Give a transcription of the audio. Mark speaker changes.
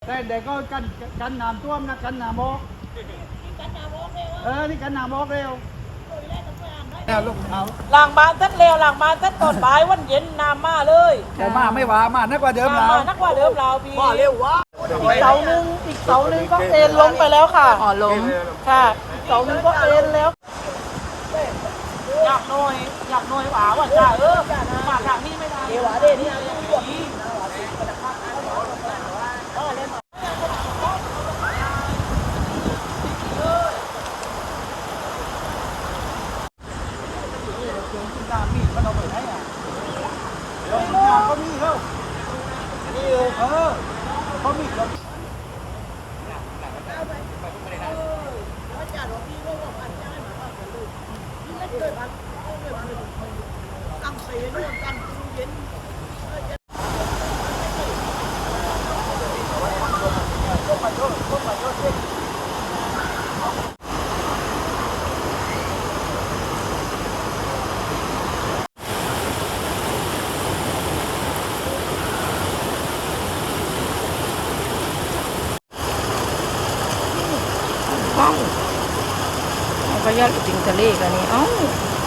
Speaker 1: แต่เด็กก็กันน้ำท่วมนะกันน้ำบอกนี่กันน้ำบอกเร็วลูกเอา
Speaker 2: หลังบ้านทัดเร็วหลังบ้านทัดตอนบ่ายวันเย็นน้ำมาเลย
Speaker 1: แต่มาไม่ว่ามานักกว่าเดิมแล้ว
Speaker 2: น้ำมานักกว่าเดิมเราพี่
Speaker 1: ว่าเร็ววะ
Speaker 2: อีกเสาหนึ่งก็เอ็นลงไปแล้วค่ะ
Speaker 3: อ๋อลง
Speaker 2: ค่ะอีกเสาหนึ่งก็เอ็นแล้วอยากหน่อยหวาว่าจ้ามาทางนี้ไม่ได้หวาเด่นี่
Speaker 1: มีมันเอาไปไหนอ่ะเดี๋ยวงานเขามีเขานี่เขามีเขา
Speaker 3: ก็ยอดติงทะเลกันนี่เอ้า